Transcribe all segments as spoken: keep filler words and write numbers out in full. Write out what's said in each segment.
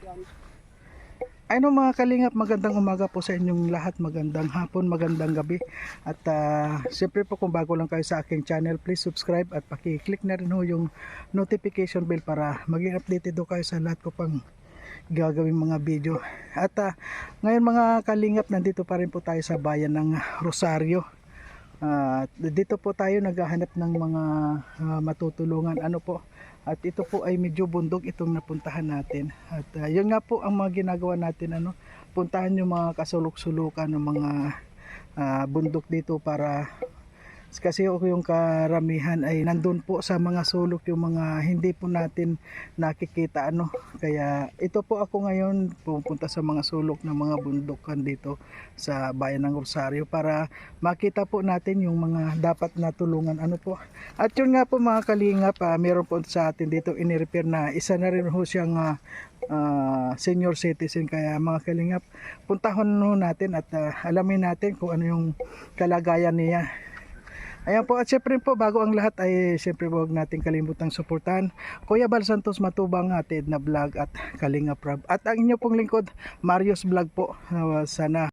Ano mga kalingap, magandang umaga po sa inyong lahat, magandang hapon, magandang gabi. At uh, siyempre po kung bago lang kayo sa aking channel, please subscribe at paki-click na rin ho yung notification bell para maging updated do kayo sa lahat ko pang gagawing mga video. At uh, ngayon mga kalingap, nandito pa rin po tayo sa bayan ng Rosario. Uh, dito po tayo naghahanap ng mga uh, matutulungan. Ano po? At ito po ay medyo bundok itong napuntahan natin. At uh, yun nga po ang mga ginagawa natin, ano, puntahan yung mga kasulok-sulukan ng mga uh, bundok dito para kasi yung karamihan ay nandun po sa mga sulok yung mga hindi po natin nakikita, ano. Kaya ito po ako ngayon pupunta sa mga sulok ng mga bundukan dito sa bayan ng Rosario para makita po natin yung mga dapat na tulungan, ano po. At yun nga po mga kalingap, uh, meron po sa atin dito in-repair na isa na rin ho siyang uh, uh, senior citizen. Kaya mga kalingap, puntahon no natin at uh, alamin natin kung ano yung kalagayan niya. Ayan po, at syempre po bago ang lahat ay syempre huwag nating kalimutang suportahan Kuya Bal Santos Matubang atid na vlog at Kalinga Prab. At ang inyo pong lingkod, Marius Vlog po. Uh, sana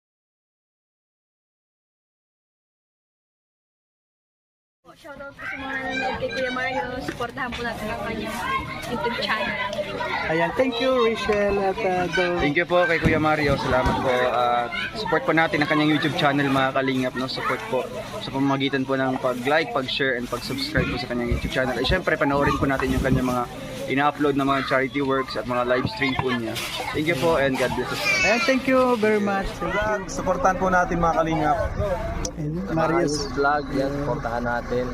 shoutout po sa mga nanonood kay Kuya Mario. Supportahan po natin ang kanyang YouTube channel. ayan, thank you Rachel at uh, Dol. Thank you po kay Kuya Mario. Salamat po. Uh, support po natin ang kanyang YouTube channel mga kalingap. No? Support po sa pamamagitan po ng pag-like, pag-share, and pag-subscribe po sa kanyang YouTube channel. Ay syempre, panoorin po natin yung kanyang mga ina-upload na mga charity works at mga live stream po niya. Thank you po and God bless us. Ayan, thank you very much. Thank you. Supportan po natin mga kalingap. Ayan, Marius. Vlog, yan, supportahan natin.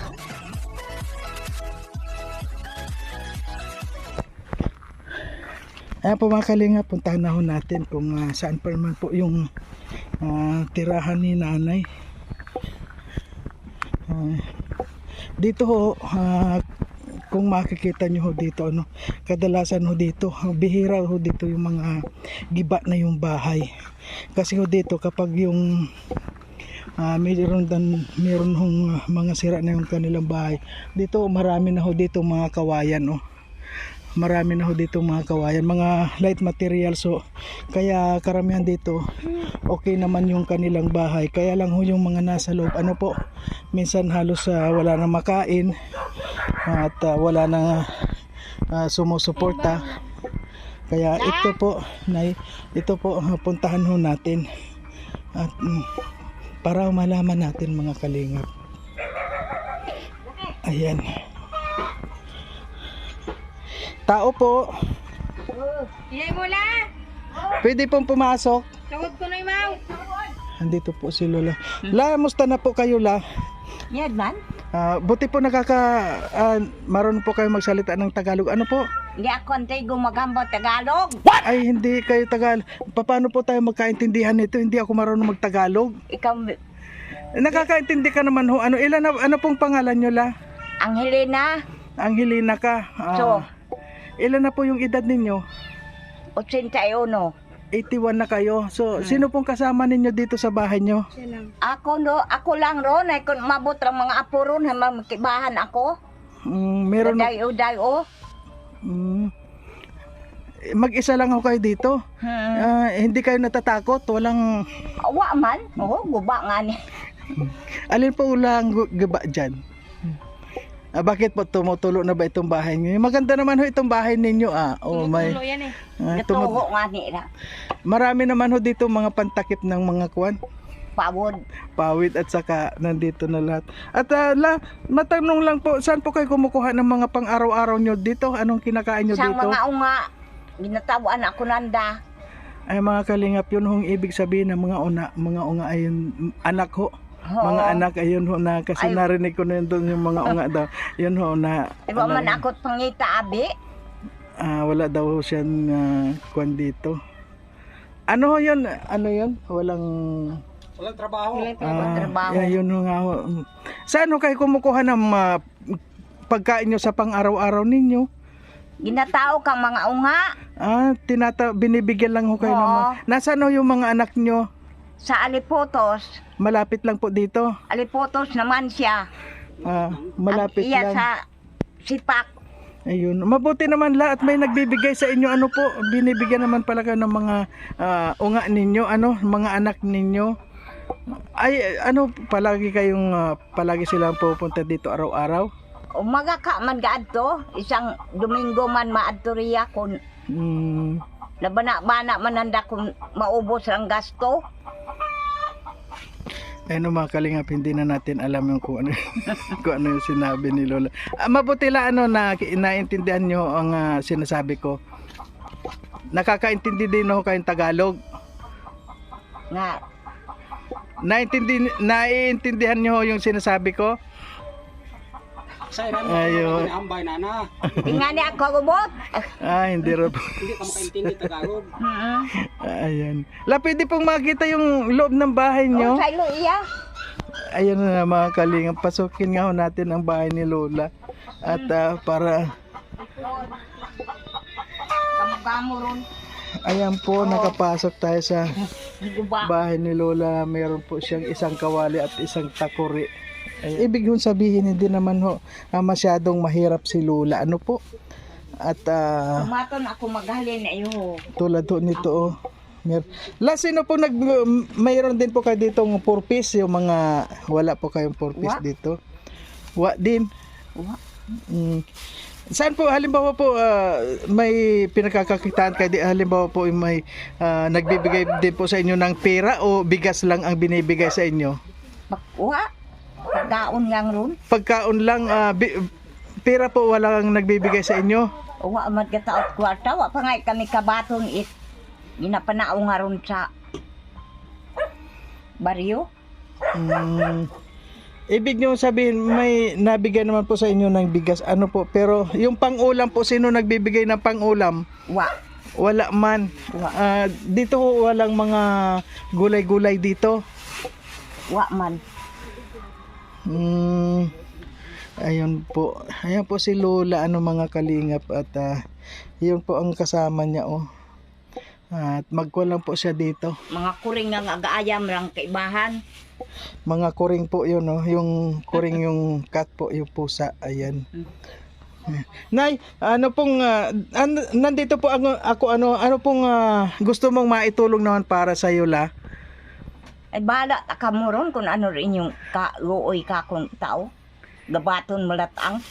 Ayan po mga kalinga, puntahan na ho natin kung uh, saan pa naman po yung uh, tirahan ni nanay. Uh, dito ho, uh, kung makikita nyo ho dito, ano, kadalasan ho dito, bihira ho dito yung mga giba na yung bahay. Kasi ho dito kapag yung uh, mayroon, dan, mayroon hong uh, mga sira na yung kanilang bahay, dito marami na ho dito mga kawayan, oh. Marami na ho dito mga kawayan, mga light material. So kaya karamihan dito okay naman yung kanilang bahay. Kaya lang ho yung mga nasa loob, ano po, minsan halos uh, wala na makain at uh, wala na uh, sumusuporta. Kaya ito po, nay, ito po uh, puntahan ho natin at um, para malaman natin mga kalingap. Ayan. Tao po. Iyay mo lang! Pwede pong pumasok. Tawag ko na yung mau! Andito po si Lola. La, musta na po kayo, La? Yan man? Ah, buti po nakaka ah, marunong po kayo magsalita ng Tagalog. Ano po? Hindi ako antay gumagamba Tagalog. Ay, hindi kayo Tagalog. Paano po tayo magkaintindihan nito? Hindi ako marunong magtagalog. Ikaw, Nakakaintindi ka naman ho. Ano ilan na, ano pong pangalan nyo, La? Angelina, Angelina ka. Ah, So. ilan na po yung edad ninyo? eighty-one. eighty-one na kayo. So, sino pong kasama ninyo dito sa bahay nyo? Ako no, ako lang ron. Ay kung mabot ang mga apo ron, makibahan ako. Mm, meron Dayo-dayo. Mm. Mag-isa lang ako kayo dito. Hmm. Ah, hindi kayo natatakot? Walang Wa man. Oo, guba nga ni. alin po ulang gu- gaba dyan? Ah, bakit po tumutulo na ba itong bahay niyo? Maganda naman ho itong bahay ninyo, ah. Oh, may yan eh. ah, tumu- Natuho nga ni ra. marami naman ho dito mga pantakip ng mga kwan, Pawod. pawid at saka nandito na lahat. At ah, la, matanong lang po, saan po kayo kumukuha ng mga pang-araw-araw nyo dito? Anong kinakain nyo Sa dito? mga unga, ginatawaan ako nanda. Ay mga kalingap, yun hong ibig sabihin ng mga una, mga unga ay yung anak ho. Oo. Mga anak ayun ho na kasi Ay. narinig ko na yun doon yung mga unga daw. Yun ho na Iba ano, man akot pangita abi. ah, wala daw ho siyang uh, kwan dito. Ano ho yun? Ano yun? Walang Walang trabaho. ah, trabaho. yeah, yun ho nga ho. Saan ho kayo kumukuha ng ah, pagkain nyo sa pang-araw-araw ninyo? Ginatao kang mga unga Ah, tinata binibigyan lang ho kayo ng mga... Oo. Nasaan ho yung mga anak nyo? sa Alipotos. Malapit lang po dito. Alipotos naman siya. Ah, malapit Ang iya lang. sa Sipak. Ayun. Mabuti naman lahat may nagbibigay sa inyo. Ano po, binibigyan naman pala kayo ng mga ah, unga ninyo, ano, mga anak ninyo. Ay, ano, palagi kayong, ah, palagi silang pupunta dito araw-araw? Umaga ka man gaadto, isang Domingo man maadto riya kung Hmm. labana-bana man handa kung maubos ang gasto. Ayun mga kalingap, hindi na natin alam yung kung ano, kung ano yung sinabi ni Lola. Ah, mabuti lang ano, na naintindihan nyo ang ah, sinasabi ko. Nakakaintindi din ako kayong Tagalog. Nga, Naintindi, naiintindihan nyo yung sinasabi ko? Say, namin Ayun. ambay na na. ingani ako gubot. Ah, hindi rin po. Hindi ka makaintindi Tagalog. Mm. Ayan. La, pwede pong makita yung loob ng bahay Oh, nyo. sa ilo iya. Ayan na mga kalingap. Pasukin nga ho natin ang bahay ni Lola. At ah, para, Kamu-kamu ron. ayan po, nakapasok tayo sa Guba. bahay ni Lola. Meron po siyang isang kawali at isang takuri. Ay, ibig hong sabihin, hindi naman ho ah, masyadong mahirap si Lola. Ano po? At ah, Tumaton ako maghalin na iyo. tulad ho nito, oh. Mer La, sino po nag... Mayroon din po kayo ditong four piece, yung mga... Wala po kayong four piece Wa? dito. Wa din. Wa. Mm. Saan po, halimbawa po, ah, may pinagkakakitaan kayo, di- halimbawa po may ah, nagbibigay din po sa inyo ng pera o bigas lang ang binibigay sa inyo? Wa. Pagkaon yang ron. Pagkaon lang, ah, bi- pera po walang nagbibigay sa inyo? Wa man kataot kwarta. Wa pa nga kami kabaton it. Ginapanao nga ron sa baryo. Mm. Ibig nyo sabihin, may nabigay naman po sa inyo ng bigas, ano po, pero yung pang-ulam po, sino nagbibigay ng pang-ulam? Wa. Wala man. Wa. Ah, dito ho, walang mga gulay-gulay dito. Wa man. Mm, ayun po. Ayan po si Lola, ano mga kalingap, at ah, yun po ang kasama niya, oh. At magkulang po siya dito. Mga kuring nga agaayam lang kaibahan. Mga kuring po yun, no? Yung kuring yung cat po, yung pusa. Ayan. Nay, ano pong, ah, an- nandito po ako, ako ano, ano pong ah, gusto mong maitulong naman para sa iyo, La? Ay bala ta ka mo ron kung ano rin yung ka-uoy ka kung tao. Gabaton malatang.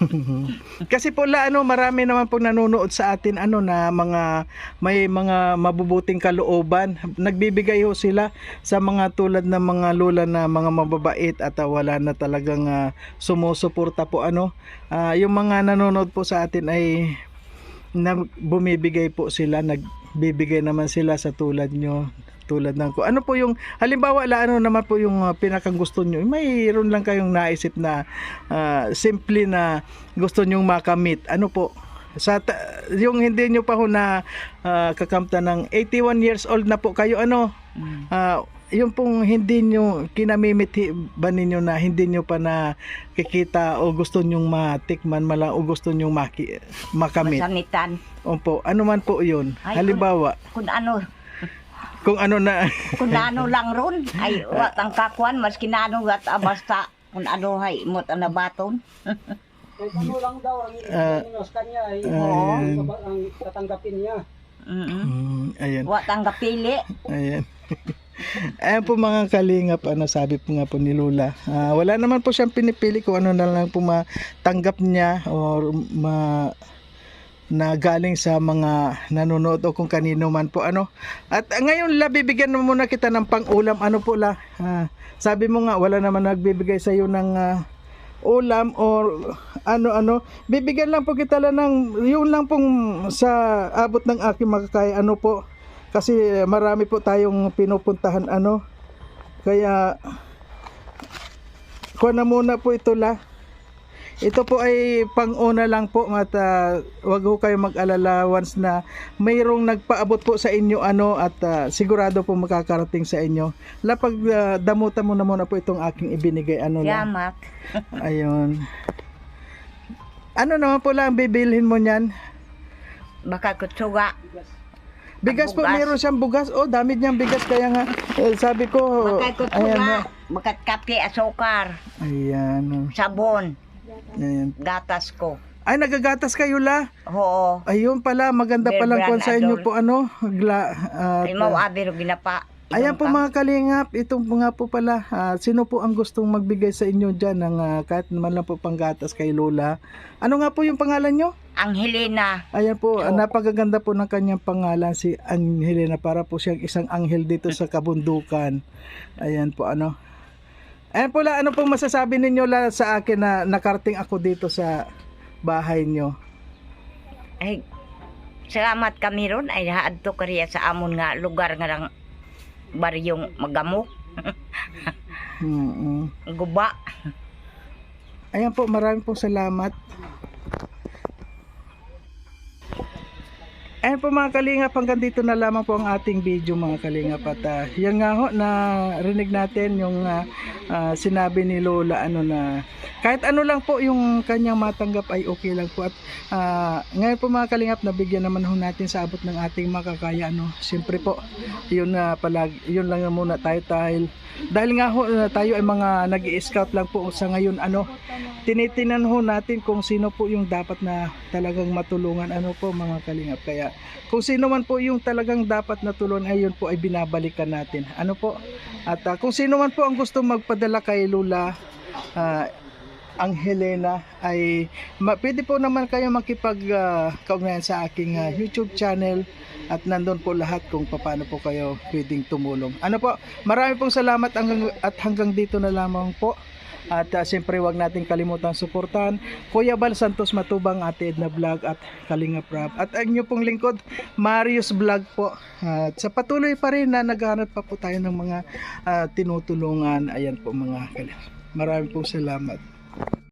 Kasi po La, ano, marami naman po nanonood sa atin, ano, na mga may mga mabubuting kalooban. Nagbibigay ho sila sa mga tulad ng mga lola na mga mababait at ah, wala na talagang ah, sumusuporta po, ano. Ah, yung mga nanonood po sa atin ay na bumibigay po sila, nagbibigay naman sila sa tulad nyo, tulad ng ko. Ano po yung halimbawa la, ano naman po yung uh, pinakang gusto nyo? Mayroon lang kayong naisip na ah, simple na gusto nyong makamit. Ano po? Sa ta- yung hindi nyo pa ho na ah, kakamta ng eighty-one years old na po kayo, ano? Ah, yung pong hindi nyo kinamimit hi- ba ninyo na hindi nyo pa na kikita o gusto nyong matikman mala o gusto nyong maki- makamit. Masanitan. Opo, ano man po yun. Ay, Halimbawa, Kung ano, kung ano na kung ano lang ron. Ay wat ang kakuan mas kinano wat ah, basta kung ano hay imot ang nabaton. Kahit ano lang daw ang Ah, ibigay sa kanya ay Oo. ang, ang tatanggapin niya. Mm. Mm, ayan. Wat ang kapili. Ayan. Ayan po mga kalingap, ano sabi po nga po ni Lola. Ah, wala naman po siyang pinipili kung ano na lang po matanggap niya or ma na galing sa mga nanonood o kung kanino man po, ano. At ah, ngayon La, bibigyan mo muna kita ng pang-ulam, ano po La. Ah, sabi mo nga wala naman nagbibigay sa iyo ng ah, ulam or ano-ano. Bibigyan lang po kita lang ng yun lang pong sa abot ng aking makakaya, ano po. Kasi marami po tayong pinupuntahan, ano. Kaya kuha na muna po ito La. Ito po ay pang-una lang po at ah, wag ho kayo mag-alala once na mayroong nagpaabot po sa inyo, ano, at ah, sigurado po makakarating sa inyo. La, pag ah, damutan mo na muna po itong aking ibinigay, ano La. Yamak. Ayun. Ano naman po lang bibilhin mo niyan? Baka kutsuga. Bigas po, Bugas. meron siyang bugas. Oh, dami niyang bigas, kaya nga eh, sabi ko, Baka ayan na. kutsuga. Baka kape, asukar, Ayan. oh. sabon, Ayan. gatas ko. Ay, nagagatas kayo la. Oo. Ayun pala, maganda Bear palang brand kwan sa inyo adol. po ano. Gla, at, Ay mau abiro ginapa. ayan po Ibang mga kalingap, itong mga po pala, ah, sino po ang gustong magbigay sa inyo dyan ng ah, kahit naman lang po panggatas kay Lola. Ano nga po yung pangalan nyo? Ang Helena. Ayan po, ah, Oo. napakaganda po ng kanyang pangalan, si Angelina, para po siyang isang anghel dito sa kabundukan. Ayan po ano. Ayan po la, ano pong masasabi ninyo la sa akin na nakarting ako dito sa bahay nyo? Ay, salamat kami ron. Ay, haadto kariya sa amon nga lugar nga lang baryong magamok. Hmm. Guba. Ayan po, maraming pong salamat. Ayan po mga kalingap, hanggang dito na lamang po ang ating video mga kalingap. At uh, yan nga ho, na rinig natin yung uh, uh, sinabi ni Lola ano na kahit ano lang po yung kanyang matanggap ay okay lang po. At uh, ngayon po mga kalingap, nabigyan naman ho natin sa abot ng ating makakaya. Ano. Siyempre po, yun, uh, palag, yun lang muna tayo dahil dahil nga ho, uh, tayo ay mga nag-i-scout lang po sa ngayon. Ano, tinitinan ho natin kung sino po yung dapat na talagang matulungan ano po mga kalingap. Kaya kung sino man po yung talagang dapat na tulungan ay yun po ay binabalikan natin ano po. At uh, kung sino man po ang gusto magpadala kay Lola uh, ang Helena ay ma- pwede po naman kayo makipag uh, kaugnayan sa aking uh, YouTube channel at nandun po lahat kung paano po kayo pwedeng tumulong. Ano po, marami pong salamat hanggang, at hanggang dito na lamang po. At uh, siyempre wag natin kalimutan suportahan Kuya Bal Santos Matubang, Ate Edna Vlog at Kalinga Prab. At ang inyo pong lingkod, Marius Vlog po. Uh, at sa patuloy pa rin na naghahanap pa po tayo ng mga uh, tinutulungan. Ayan po mga kalingap. Marami pong salamat.